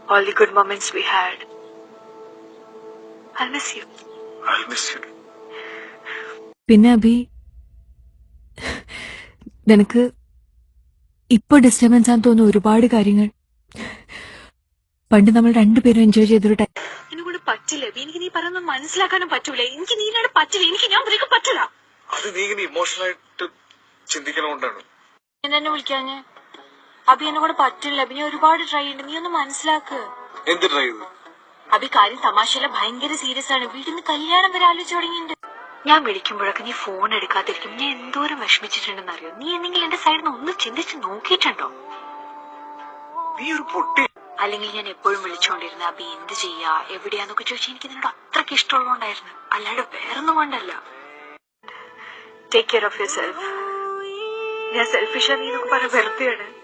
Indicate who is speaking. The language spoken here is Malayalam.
Speaker 1: all the good moments we had. I'll miss you.
Speaker 2: I'll miss you.
Speaker 3: പിന്നെ അഭി നിനക്ക് ഇപ്പൊ ഡിസ്റ്റർബൻസ് ആണെന്ന് തോന്നുന്ന ഒരുപാട് കാര്യങ്ങൾ പണ്ട് നമ്മൾ രണ്ടുപേരും എൻജോയ് ചെയ്തൊരു ടൈം
Speaker 1: എന്നെക്കൊണ്ട് പറ്റില്ല. എനിക്ക് നീ പറയുന്നത് മനസ്സിലാക്കാനും പറ്റൂല. എനിക്ക് നീനോട് പറ്റില്ല. ഞാൻ നിനക്ക് പറ്റില്ല.
Speaker 2: അത് നീ ഇങ്ങനെ ഇമോഷണൽ ആയിട്ട് ചിന്തിക്കണോണ്ടാണ്.
Speaker 1: എന്നെ വിളിക്കാഞ്ഞ് അഭി എന്നെക്കൊണ്ട് പറ്റില്ല. അഭി ഞാൻ ഒരുപാട് ട്രൈ ചെയ്യുന്നുണ്ട്. നീ ഒന്ന് മനസ്സിലാക്ക്.
Speaker 2: എന്ത് ട്രൈ ചെയ്തു?
Speaker 1: അഭി കാര്യം തമാശയല്ല, ഭയങ്കര സീരിയസ് ആണ്. വീട്ടിൽ കല്യാണം വരെ ആലോചിച്ച് തുടങ്ങിയിട്ടുണ്ട്. ഞാൻ വിളിക്കുമ്പോഴൊക്കെ നീ ഫോൺ എടുക്കാതിരിക്കും. ഞാൻ എന്തോരം വിഷമിച്ചിട്ടുണ്ടെന്ന് അറിയോ? നീ എന്തെങ്കിലും എന്റെ സൈഡിൽ നിന്ന് ഒന്ന് ചിന്തിച്ച് നോക്കിയിട്ടുണ്ടോ?
Speaker 2: നീ ഒരു പൊട്ടി.
Speaker 1: അല്ലെങ്കിൽ ഞാൻ എപ്പോഴും വിളിച്ചോണ്ടിരുന്ന അഭി എന്ത് ചെയ്യാ എവിടെയാന്നൊക്കെ ചോദിച്ചാൽ എനിക്ക് നിന്നോട് അത്രയ്ക്ക് ഇഷ്ടമുള്ളതുകൊണ്ടായിരുന്നു, അല്ലാണ്ട് വേറൊന്നും കൊണ്ടല്ല. Take care of yourself. ഞാൻ സെൽഫിഷാ നീ എന്നൊക്കെ പറഞ്ഞ വെറുതെയാണ്.